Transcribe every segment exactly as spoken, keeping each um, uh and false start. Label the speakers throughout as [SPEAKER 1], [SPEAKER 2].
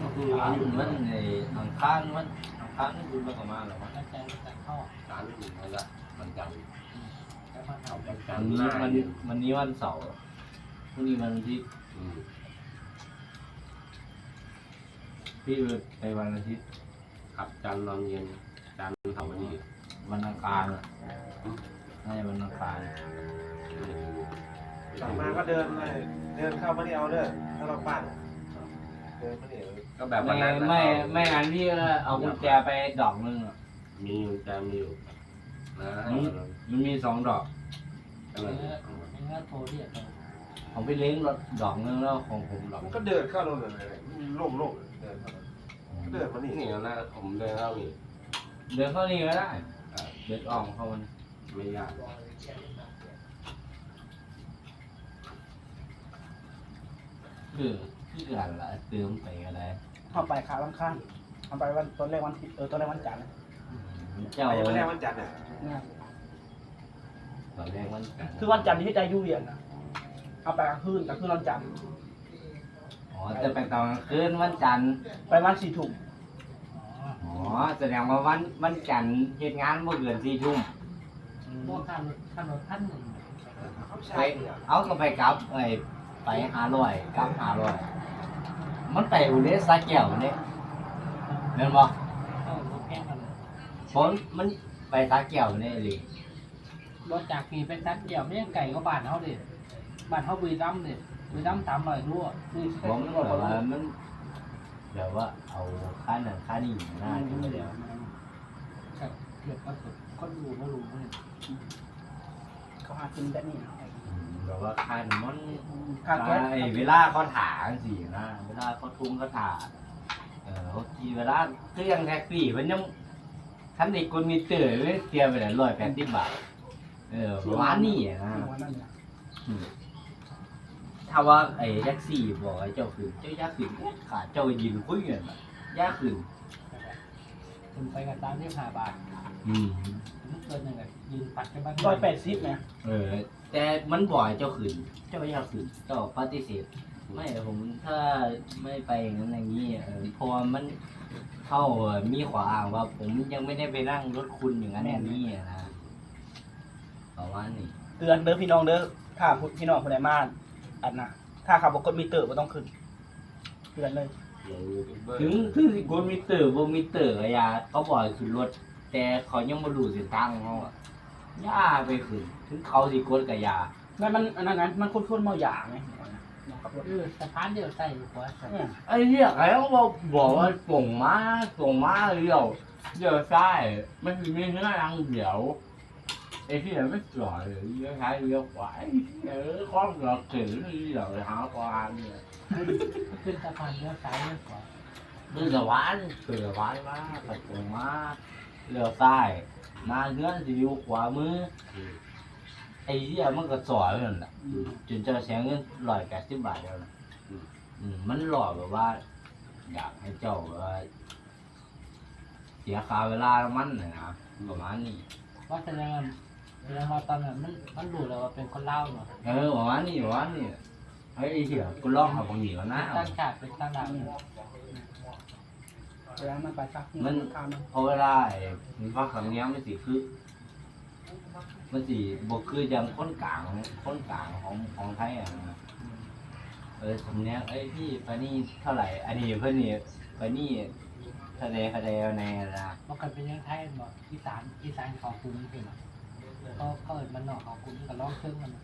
[SPEAKER 1] คือมันในอังคารมันอังคารนี่คือมันประมาณหรอวะ
[SPEAKER 2] แล้วใจจะเข้า
[SPEAKER 3] การนี่ถึงนั่นแหละมันจัง
[SPEAKER 2] แล้วมาท
[SPEAKER 3] เอาเป็น
[SPEAKER 1] วั
[SPEAKER 3] การ
[SPEAKER 1] นนี้
[SPEAKER 3] หน้า
[SPEAKER 1] มันวันนี้วันเสาร์พรุ่งนี้วันอาทิตย์
[SPEAKER 3] อืม
[SPEAKER 1] พี่ไปวันอาทิตย์
[SPEAKER 3] ขับจันนอนเย็นจันเสาร์วันนี้
[SPEAKER 1] วันอังคารอะน่าจะวันอังคาร
[SPEAKER 4] กลับมาก็เดินเลยเดินเข้ามาที่เอาเด้อถ้าเราปั้นเดินมาเนี่ย
[SPEAKER 3] ก็แบบวัน
[SPEAKER 1] ไม่
[SPEAKER 3] นั้นนะ
[SPEAKER 1] ไม่ไม่งั้นพี่ก็เอากุญแจไปดอกนึงอะ
[SPEAKER 3] มีอยู่แต่มีอยู่นะ
[SPEAKER 1] มันมีสองดอก
[SPEAKER 2] ำ
[SPEAKER 3] ก็
[SPEAKER 2] เอ
[SPEAKER 3] เลย
[SPEAKER 2] อไม่งั้นโทรเรียกเลย
[SPEAKER 1] ของพี่เล้งดอกนึงแล้วของผมดอก
[SPEAKER 4] มันก็เดินเข้าโน่นเลยโล่งโล่งเดินเข้าก็เดินมานี่
[SPEAKER 3] นี่นะผมเดินเข้านี่
[SPEAKER 1] เดินเข้านี่ก็ได้
[SPEAKER 3] อ่า
[SPEAKER 1] เดินออกเข้ามัน
[SPEAKER 3] ไม่ยาก
[SPEAKER 1] คือคือกันละเติมไปอะไร
[SPEAKER 5] เข้าไปขาลังข้างเข้าไปวันต้นแรกวันเออต้นแรกวันจันทร์
[SPEAKER 1] เจ้า
[SPEAKER 4] ไปยังไม่ได้วันจันทร์เนี่ย
[SPEAKER 5] นะ
[SPEAKER 1] ตอนแรกมัน
[SPEAKER 5] คือวันจันทร์ที่ใจยุ่งเรียนนะเอาไปกลางคืนกลางคืนวันจันทร์
[SPEAKER 1] อ๋อจะไปตอนกลางคืนวันจันทร์
[SPEAKER 5] ไปวันสี่ทุ่ม
[SPEAKER 1] อ๋อแสดงว่าวันวันจันทร์เหตุงานเมื่อเกินสี่ทุ่ม
[SPEAKER 2] พวกข้ามข้ามรถท่านหนึ่ง
[SPEAKER 4] เขา
[SPEAKER 1] ไป
[SPEAKER 4] ใช่เนี่ย
[SPEAKER 1] เอาก็ไปกลับไอ้ไปหาร้อยกลับหาร้อยมันไปอุเดสาแก้วเนี่ยเห็นบ่
[SPEAKER 2] เออรถแก้กันเลย
[SPEAKER 1] ผลมันไปสาแก้วเนี่ยเลย
[SPEAKER 2] รถจากปีไปซัดเดี่ยวไม่ยังไก่ก็บ้านเขาเด็ดบ้านเขาบุรีรัมย์เด็ดบุรีรัมย์สามร้อยรั่วนี่
[SPEAKER 1] ผมแบบว่ามันแบบว่าเอาค่าหนังค่านี่หน้าขึ้นมาแล้ว
[SPEAKER 2] เกี่ยวกับคนดูไม่รู้เนี่ย
[SPEAKER 5] เขาหากินแบบนี้นะ
[SPEAKER 1] อืมแบบว่าค่าน้ำมัน
[SPEAKER 5] ค่าแก๊ส
[SPEAKER 1] ไอ้เวลาเขาถาสินะเวลาเขาทุ่งเขาถาเออเขากี่เวลาคือยังแท็กซี่มันยังคันเด็กคนมีเตอร์เลยเตรียมไปแล้วร้อยแปดสิบบาทเออประมาณนี้อะนะ
[SPEAKER 5] วันนั้นเนี่ย
[SPEAKER 1] อืมถ้าว่าไอ้แท็กซี่บอกไอ้เจ้าขึ้นเจ้าย่าขึ้นขาเจ้ายืนคุยกันแบบย่าขึ้น
[SPEAKER 2] คุณไปกันตามที่ห้าบาท
[SPEAKER 1] อืม
[SPEAKER 2] มันเกินหนึ่งอ่ะยืนปัดกันบ้าง
[SPEAKER 5] ร้อยแปดสิบเนี่ย
[SPEAKER 1] เออ แต่มันบ่อยเจ้าขึ้นเจ้าย่าขึ้นเจ้าปฏิเสธไม่ผมถ้าไม่ไปอย่างนั้นอย่างนี้เออเพราะว่ามันเข้าเอ่อมีขวาอ้างว่าผมยังไม่ได้ไปนั่งรถคุณอย่างนั้นอย่างนี้อะนะประมาณนี้
[SPEAKER 5] เตือนเด้อพี่น้องเด้อถ้าพี่น้องคนไหนมาอันน่ะถ้าขับรถกดมิเตอร์ก็ต้องขึ้นเตือนเลย
[SPEAKER 3] อย่างยูทูบเบอร์
[SPEAKER 1] ถึงถึงสิกดมิเตอร์บ่มิเตอร์ก็อย่าเขาบอกให้ขึ้นรถ แต่เขายังบ่รู้เส้นทางของเขาอะย่าไปขึ้น ถึงเขาสิกดก็อย่า
[SPEAKER 5] นั่นมันอันนั้นไงมันคุ้นๆเมาหยาไงขับรถ
[SPEAKER 2] เออสะพานเดียวใส่หัวใส่
[SPEAKER 5] เนี่ย
[SPEAKER 1] ไอ้เหี้ยไอ้เขาบอกบอกว่าส่งมาส่งมาเลี้ยวเลี้ยวซ้ายมันสิมีเนื้อรังเดียวไอ้ที่ไม่จอดเลยเลี้ยวซ้ายเลี้ยวขวาไอ้เออข้อเกือบถึงเลี้ยวหาปลาเนี่ย
[SPEAKER 2] ขึ้นสะพานเลี้ยวซ้ายเลี้ยวขวา
[SPEAKER 1] เดือดหวานเดือดหวานมาตัดส่งมาเลี้ยวซ้ายมาเนื้อสิอยู่ขวามือไอ้เหี้ยมันก็สอยนั่นแหละจนจะเสียเงินร้อยแปดสิบบาทแล้วนะอืมมันหล่อแบบว่า อยากให้เจ้าแบบว่าเสียค่าเวลามันน่ะนะประมาณนี้
[SPEAKER 2] ว่าแสดงว่าแสดงว่าตอนนั้นมันมันรู้แล้วว่าเป็นคนเล่าเนาะ
[SPEAKER 1] เออประมาณนี้ประมาณนี้เฮ้ยไอ้เหี้ยกูลองเอาบางอย่างก่อนนะ
[SPEAKER 2] ตั้งฉากเป็นตั้งดาวเนี่ย
[SPEAKER 5] เวลามันไปซัก
[SPEAKER 1] มัน
[SPEAKER 5] ข้ามมัน
[SPEAKER 1] เพราะเวลาไอ้มันฟังคำเนี้ยมันสิคือ มันสิบกคือยังคนกลางคนกลางของของไทยอ่ะนะเออสำเนียงเอ้ยพี่ไปนี่เท่าไหร่ อันนี้เพื่อนนี่ไปนี่ทะเลทะเลในนะ
[SPEAKER 2] มันกันเป็นยังไงบอกอีสานอีสานเขาคุ้มใช่ไหมเขาเขาเอิดมันนอกเขาคุ้มกับร้องเครื่องมัน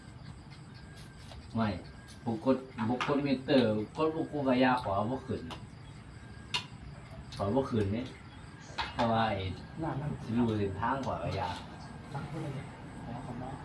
[SPEAKER 1] ไม่บุกกดบุกกดมิเตอร์กดบุกกูกายาขอบุกขึ้นขอบุกขึ้นนี่เพราะว่าไอ้
[SPEAKER 5] หน้ามัน
[SPEAKER 1] สิรู้เส้นทางกว่ากายา
[SPEAKER 2] ตั้งขึ้นเลยแล้วเขามา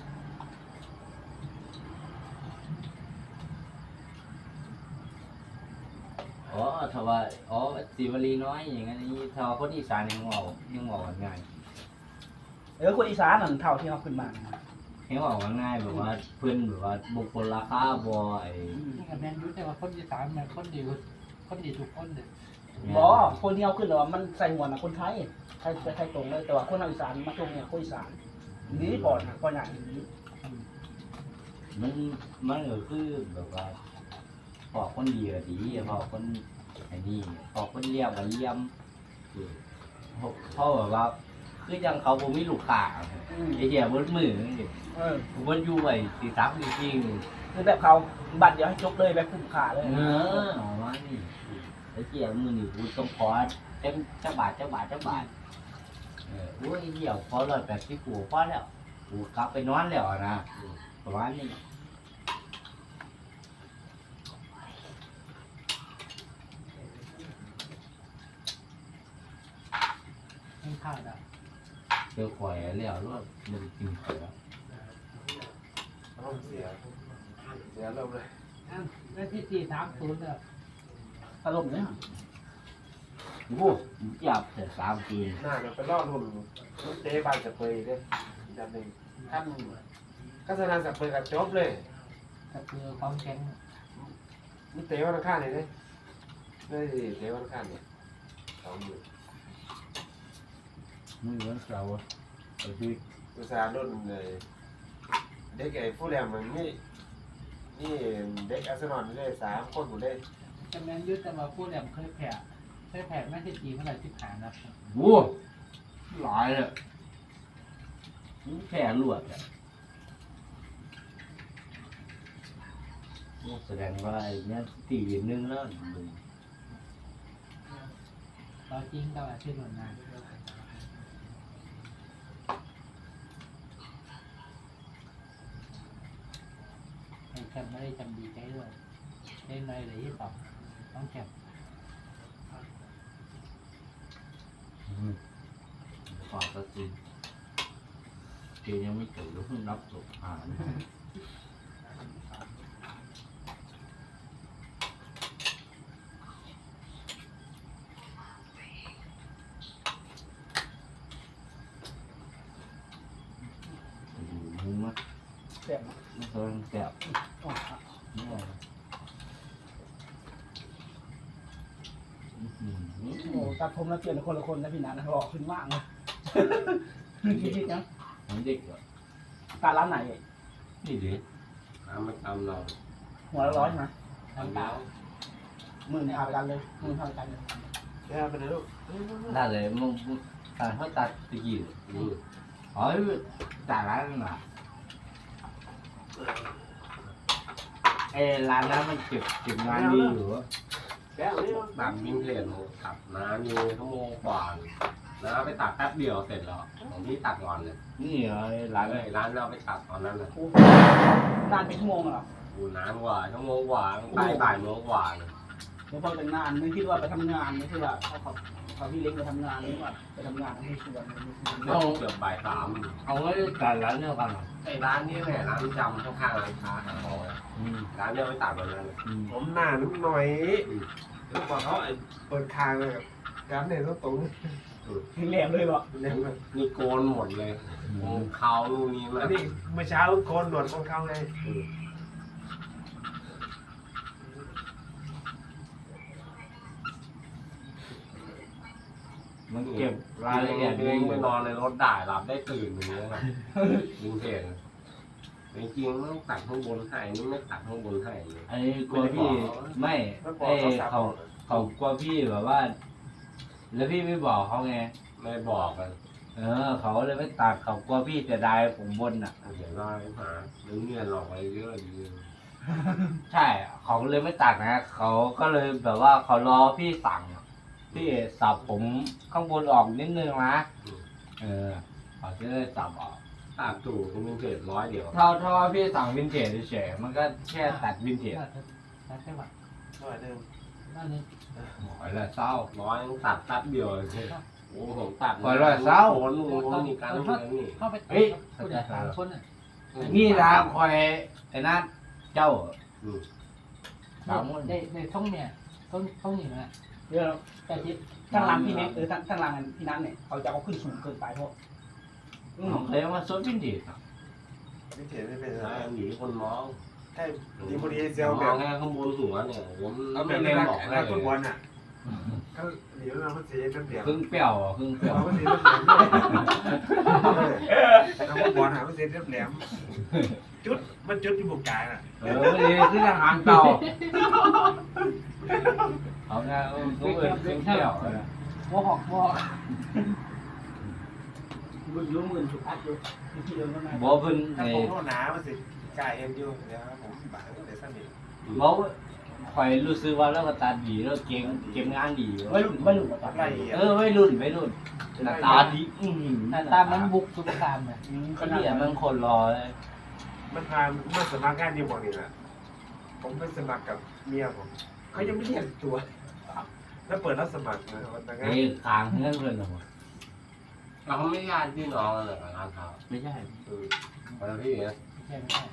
[SPEAKER 1] อ๋อถ้าว่าอ๋อสิวลีน้อยอย่างนั้นนี่ถ้าว่าคนอีสานยังเอายังเอาง่าย
[SPEAKER 5] เออคนอีสานนั่นเท่าที่เขาขึ้นมานะ
[SPEAKER 1] ยังเอาง่ายแบบว่าเพื่อนแบบว่าบุคคลราคาบ่ไอ้
[SPEAKER 2] นี่กับแมนยูแต่ว่าคนอีสานมันคนดีคนดีทุกคนเลย
[SPEAKER 5] บอคนที่เขาขึ้นแต่ว่ามันใส่หัวนะคนไทยไทยไทยตรงเลยแต่ว่าคนอีสานมาตรงเนี่ยคนอีสานนี่ก่อนนะก่อนอย่างนี้
[SPEAKER 1] มันมันก็คือแบบว่าพอคนดีก็ดีพอคนไอ้นี่พอคนเลี้ยงก็เลี้ยมเพราะแบบว่าคือยังเขาบ่มีลูกค้า
[SPEAKER 5] อืม
[SPEAKER 1] ไอ้เหี้ยเบิดมือนี่
[SPEAKER 5] เออ
[SPEAKER 1] ผมว่าอยู่ไอ้สี่สามจริง
[SPEAKER 5] คือแบบเขาบัตรเดียวให้จบเลยแบบคุ้มค่าเลย
[SPEAKER 1] ๆเออเอามานี่ไอ้เหี้ยมือนี่กูต้องขอเต็มจักบาทจักบาทจักบาทเออโอ้ยไอ้เหี้ยพอร้อยแปดสิบกูพอแล้วกูกลับไปนอนแล้วนะประมาณนี้
[SPEAKER 2] ให้ข้าวได้
[SPEAKER 1] เจอข่อยแล้วรถมันกินข่อยแล้ว
[SPEAKER 4] เอาเสียเสียเริ่มเลย
[SPEAKER 2] อันแล้วที่สี่สามศูนย์เด้อ
[SPEAKER 5] อารมณ์เนี่ย
[SPEAKER 1] โอ้โหจับแต่สามคืน
[SPEAKER 4] หน้าเดี๋ยวไปล่อรุ่นรุ่นเตะบานจะเปยเด้ยันหนึ่งขั้นก็สนานจะเปยกับจบเลย
[SPEAKER 2] ก็คือความแข็ง
[SPEAKER 4] มีเตะวันอังคารเลยเด้นี่เตะวันอังคารเนี่ยสองหมื่น
[SPEAKER 1] มือวันเสาร์ไอ้ที่
[SPEAKER 4] อุตสาห์รุ่นเลยเด็กไอ้ผู้แรมมันนี่นี่เด็กอาร์เซนอลนี่เลยสามคนหมดเลย
[SPEAKER 2] จำแนนยึดแต่ว่าพูดแบบเคยแผ่เคยแผ่ไม่ใช่จีเมื่อไหร่ที่ผ่านนะ
[SPEAKER 1] โอ้หลายเลยมันแค่ลวดอะโอ้แสดงว่าไอ้เนี้ยตีหนึงแล้วมึง
[SPEAKER 2] เราจริงก็แบบที่หนุนงานไอ้แคมไม่ได้จำดีใจด้วยเล่นในเลยที่สองต้องแคม
[SPEAKER 1] อืมขอสักทีเกยังไม่จบแล้วเพิ่งรับจบอ่านมึงมั้ย
[SPEAKER 5] เสียบนะ
[SPEAKER 1] ไม่เคยแสบ
[SPEAKER 5] อ๋อ
[SPEAKER 1] ไม่ได้อื้อหือ
[SPEAKER 5] โอ้ตัดผมแล้วเปลี่ยนคนละคนนะพี่นันนะหล่อขึ้นมากเลยคิดๆนะ
[SPEAKER 1] มันเด็กเหรอ
[SPEAKER 5] การร้านไหน
[SPEAKER 1] นี่ดิ
[SPEAKER 3] น้ำมันตำเรา
[SPEAKER 5] หัวละร้อยใช่ไหม
[SPEAKER 2] น้ำเปล่า
[SPEAKER 5] หมื่นพาไปกันเลยหมื่นพาไปกันเลย
[SPEAKER 4] แค่ไปเลยลูก
[SPEAKER 1] ได้เลยมึงมึงตัดเขาตัดตะกี้
[SPEAKER 3] อืม
[SPEAKER 1] อ๋อตัดร้านนั้นน่ะไอ้ร้านนั้นมันเก็บเก็บงานดีอยู่
[SPEAKER 4] แค่นี้
[SPEAKER 3] ตัดมินเทนตัดน้ำอยู่ชั่วโมงกว่าน้าไปตัดแป๊บเดียวเสร็จแล้วของพี่ตัดก่อนเลย
[SPEAKER 1] นี่เหรอไอ้ร้า
[SPEAKER 3] ร้าน น
[SPEAKER 1] เลย
[SPEAKER 3] ร้านเราไปตัดตอนนั้นน่ะ
[SPEAKER 5] นานเป็นชั่วโมงเหรอ
[SPEAKER 3] อูนานกว่าชั่วโมงกว่าบ่ายบ่ายโมงกว่าเลย
[SPEAKER 5] เดี๋ยวพอเป็นงานไม่คิดว่าไปทำงานไม่ใช่ว่าเขาเขาเขาพี่เล็กไปทำงานนี่ว่าไปทำงานไม่ชวน
[SPEAKER 3] เอาเกือบบ่ายสาม
[SPEAKER 1] เอาไว้ตัดร้านเดียวกันเหรอ
[SPEAKER 3] ไอ้ร้านนี้แหละร้านจำข้างๆร้านค้าหาของอะ
[SPEAKER 1] อืม
[SPEAKER 3] ร้านเดียวไปตัดวันนั้นเลย
[SPEAKER 1] อืม
[SPEAKER 4] ผมหน้านิดหน่อยแล้วบอกเขาไอ้เปิดคางเลยการเนี่ยต้องตรง
[SPEAKER 5] แหลมเลยบอก
[SPEAKER 4] เล่นเลย
[SPEAKER 3] นี่โกนหมดเลยผมเขาลูกนี้มา
[SPEAKER 4] อันนี้เมื่อเช้าโกนหนวดของเขาไง
[SPEAKER 1] มันเก็บรายละเอียด
[SPEAKER 3] เอ
[SPEAKER 1] ดี
[SPEAKER 3] งไปนอนในรถได้หลับได้ตื่นอย่างเงี้ยนะยิงเทนจริงๆต้องตัดข้างบนให้นี่ไม่ตัดข้างบนให้เลย
[SPEAKER 1] ไอ้กลัวพี่ไม่
[SPEAKER 4] แล้วบอก
[SPEAKER 1] ไอ้
[SPEAKER 4] เขาสับ
[SPEAKER 1] เขาเขากลัวพี่แบบว่า แล้วพี่ไม่บอกเขาไง
[SPEAKER 3] ไม่บอกกัน
[SPEAKER 1] เออ เขาเลยไม่ตัดเขากลัวพี่จะได้ผมบนอ่ะ
[SPEAKER 3] เดี๋ยวเราไปหาเรื่องเงินหลอกไปเยอะดี
[SPEAKER 1] ใช่ เขาเลยไม่ตัดนะเขาก็เลยแบบว่าเขารอพี่สั่ง พี่สับผมข้างบนออกนิดนึงนะเออเขาจะได้สับออก
[SPEAKER 3] ตัดถูกก็มีเศษร้อยเดียว
[SPEAKER 1] ถ้าถ้าว่าพี่สั่งวินเทจเฉยๆมันก็แค่ตัดวินเทจ
[SPEAKER 2] ตัดแค่บัตร
[SPEAKER 4] หน่อยหนึง
[SPEAKER 2] นั่นนี่
[SPEAKER 1] หอยละเศร้า
[SPEAKER 3] ร้อยตัดตัดเดียวเลยโอ้ผมตัด
[SPEAKER 1] ร้อยร้อยเศร้า
[SPEAKER 3] โอนลุงมีการเงินนี่
[SPEAKER 2] เข้าไป
[SPEAKER 1] เฮ้ย
[SPEAKER 2] ผู้ใหญ่สามคนน่ะ
[SPEAKER 1] นี่นะคอยไอ้นั่นเจ้า
[SPEAKER 3] อืม
[SPEAKER 1] สามคน
[SPEAKER 2] ได้ได้ท่องเนี่ยท่องท่องหนึ่งนะ
[SPEAKER 5] เดี๋ยว
[SPEAKER 2] แต่ที่
[SPEAKER 5] ทางหลังพี่เน็กเออทางทางหลังพี่นัทเนี่ยเขาจะเอาขึ้นสูงเกินไปเพราะอืม
[SPEAKER 1] เขาเคยมาซดวินเทจอะ
[SPEAKER 4] ไม่เถียงไม่เป็นไร
[SPEAKER 3] ใช่อยู่ที่คนมอง
[SPEAKER 4] แค่ดีพอดีเซล
[SPEAKER 3] ม
[SPEAKER 4] แบ
[SPEAKER 3] อง
[SPEAKER 4] บ
[SPEAKER 3] แค่ข้างบนหัวเนี่ยผม
[SPEAKER 4] เอาแบ
[SPEAKER 3] ไม่
[SPEAKER 4] บ
[SPEAKER 3] เล่
[SPEAKER 4] เล่
[SPEAKER 3] น
[SPEAKER 4] น
[SPEAKER 3] บอกได้
[SPEAKER 4] นัก
[SPEAKER 3] เล
[SPEAKER 4] ฟุตบอล
[SPEAKER 3] ย
[SPEAKER 4] อ่ะเขาเดี๋ยวเราเสียเป็นเปลี่ยน
[SPEAKER 1] ครึ่งเปรี้ยวอะครึ่งเปรี้ยว
[SPEAKER 4] เราก็เสียเป็นแหลมนักฟุตบอลหาไม่เสียเป็นแหลมจุดมันจุดอยู่บนกลางอ่ะ
[SPEAKER 1] เออไม่ดีคือทหารเก่าเอาไงเออเขาเอิ้นเครื่องเที่ยวนะ
[SPEAKER 2] โมหอกโมหอก
[SPEAKER 5] มึงรู้มึงถูกอัดอยู่ที่เดิมนั่นไง
[SPEAKER 1] บ่เพิ่น
[SPEAKER 4] ถ้า
[SPEAKER 1] ไอ้
[SPEAKER 4] ผมโทษหนามันสิกายเอ็นอยู่เดี๋ยวผมบางเดี๋ยวสนิท
[SPEAKER 1] บ่ข่อยรู้สึกว่าเราก็ตาดีแล้วเก่งเก็บงานดี
[SPEAKER 5] ไม่รุ่นไม่รุ่นกับ
[SPEAKER 4] อะไร
[SPEAKER 1] เออวัยรุ่นวัยรุ่นหน้าตาดีอืม
[SPEAKER 2] หน้าตามันบุกสุกคามเนี่ย
[SPEAKER 1] ขนาดมันคนรอเลย
[SPEAKER 4] มันพามาสมัครงานอยู่บ่นี่แหละผมไปสมัครกับเมียผมเขายังไม่เรียกตัว แล้วเปิดรับสมัครนะวันนั้น
[SPEAKER 1] ไอ้คางเงื่อนเพื่อนเหรอ
[SPEAKER 3] เราไม่ญาติพี่น้องกันเลยงานเขา
[SPEAKER 1] ไม่ใช่
[SPEAKER 3] คนละพี่นะ
[SPEAKER 2] ไม่ใช่ไม่ใช่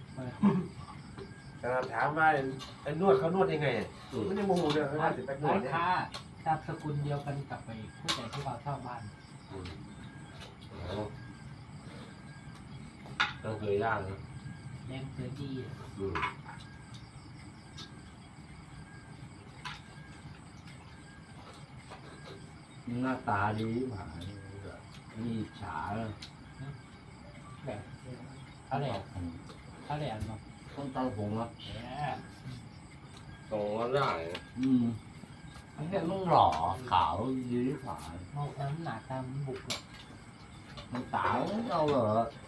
[SPEAKER 4] แต่ถามว่าไอ้นวดเขานวดยังไงมันยังโมโหเลยว่าสิไปนว
[SPEAKER 2] ร้า
[SPEAKER 4] ด
[SPEAKER 2] น
[SPEAKER 4] เนี่ย
[SPEAKER 2] ค้าตามสกุลเดียวกันกับไปผู้ใหญ่ที่เราเช่าบ้าน
[SPEAKER 3] ต้องเคยญาตินะ
[SPEAKER 2] แรงเสือดี
[SPEAKER 3] อืม
[SPEAKER 1] หน้าตาดีหมานี่ฉา
[SPEAKER 2] แบบเขาแหลมเขาแหลมเนาะ
[SPEAKER 1] ต้องตาผมอ่ะ
[SPEAKER 2] แหม
[SPEAKER 3] ตรงก็ได้นะ
[SPEAKER 1] อืมอันนี้มันหล่อขาวยืดฝา
[SPEAKER 2] เมาน้ำหนาตามบุกเลย
[SPEAKER 1] มันตาเราเหรอ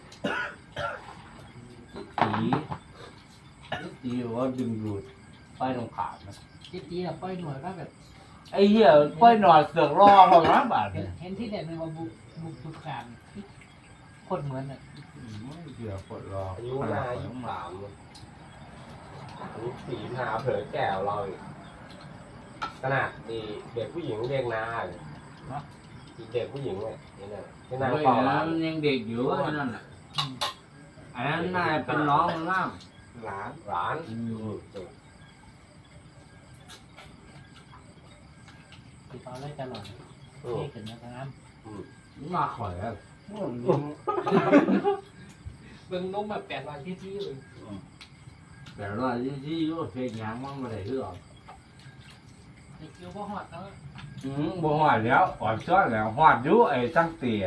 [SPEAKER 1] สีสีว่าดึงดูดไฟตรงขาดนะ
[SPEAKER 2] จีจีเราปล่อยหน่วยว่าแบบ
[SPEAKER 1] ไอ้เหี้ยป้อยนอนเสือกรอของร้านบาท
[SPEAKER 2] เห็
[SPEAKER 1] เนี่
[SPEAKER 2] น
[SPEAKER 1] ย
[SPEAKER 2] เห็นที่เด่นเลยว่าบุกบุกสุกคามคนเหมือนอ่ะ
[SPEAKER 1] ไม่เสือกกดรอ
[SPEAKER 3] อายุห้ายี่สามอายุสี่ห้าเผยแก่เราอีกขนาดดีเด็กผู้หญิงเด็กนาเลยอีกเด็กผู้หญิงเนี่ยนี่นะที่นาง
[SPEAKER 1] เฮ้ย
[SPEAKER 3] เฝ้า
[SPEAKER 1] อัน
[SPEAKER 3] ร้า
[SPEAKER 1] นั้น นยังเด็กอยู่ไอ้นั่นน่ะอันนั้นน่าจะเป็นน้องมันล่าม
[SPEAKER 4] หลาน
[SPEAKER 3] ร้าน
[SPEAKER 1] อืม
[SPEAKER 2] ติดต่อได้ตลอด
[SPEAKER 3] อืม
[SPEAKER 2] นี่เกิดมาทางนั้น
[SPEAKER 1] มาข่อยแล้ว
[SPEAKER 2] เบิ่งนุ่มแบบแปดวันที่ที่เลย
[SPEAKER 1] แต่ว่าที่ที่อยู่เพลงยังมันไม่ได้เรื่อง
[SPEAKER 2] ไอ้คิวก็หอดแล้ว
[SPEAKER 1] อืมบ่หอดแล้วหอดซ้อนแล้วหอดอยู่ไอ้ตั้งเตี๋ย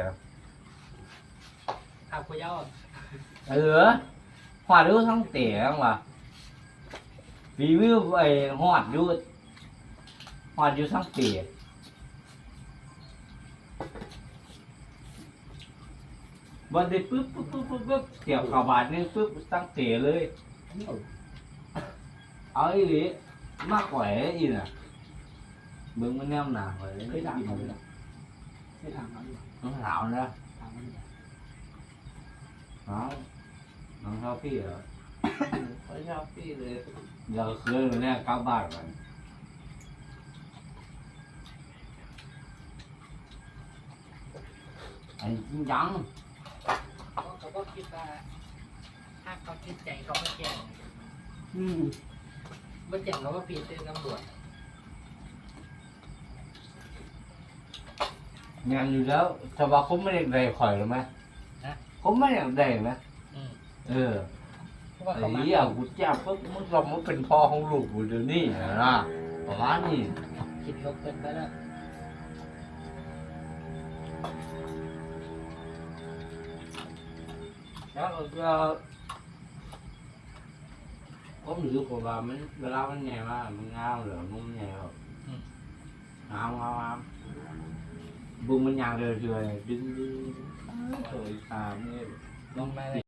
[SPEAKER 2] ขับขยาว
[SPEAKER 1] เออหอดอยู่ทั้งเตี๋ยว่ะรีวิวไอ้หอดอยู่หอดอยู่ทั้งเตี๋ยวันนี้ปึ๊บปึ๊บปึ๊บปึ๊บปึ๊บเกี่ยวกับบาทนึงปึ๊บตั้งเตี๋ยเลยเอาอีหลีมากกว่าอีน่ะเบิ่งมันแนมหนาไว้
[SPEAKER 5] เคยถามเขาเลยไม่ถามเขาอยู่
[SPEAKER 1] น้องสาวนะ
[SPEAKER 5] ถามเขาอยู่
[SPEAKER 1] น้องน้องชอบพี่เหรอเขาชอบพี่เลยเดี๋ยวคืนวันนี้กลับบ้านกันไอ้จริงจัง
[SPEAKER 2] เขาก็คิดว่าถ้าเขาคิดใจเขาก็แจ้ง
[SPEAKER 5] อืม
[SPEAKER 2] ไม่แจ้งเขาก็ผิดเป็นตำรวจ
[SPEAKER 1] งานอยู่แล้วแต่ว่าเขาไม่ได้ได้ข่อยหรือไหมเขาไม่ได้ได้ไหม
[SPEAKER 2] อืม
[SPEAKER 1] เออ
[SPEAKER 2] เพราะว่า
[SPEAKER 1] ไอ้
[SPEAKER 2] เขามา
[SPEAKER 1] เหี้ยกูจ้าปุ๊บมึงเรามันเป็นพ่อของลูกกูเดี๋ยวนี้นะประมาณนี้
[SPEAKER 2] คิดลบเกินไปแล้ว
[SPEAKER 1] แล้วก็ผมรู้สึกว่ามันเวลามันแง่มากมันงามเหรอมันแง่แบบงามงามงามบุ้งมันยางเรื่อยๆดึงดึงสวยตามนี่
[SPEAKER 2] ลงมาเลย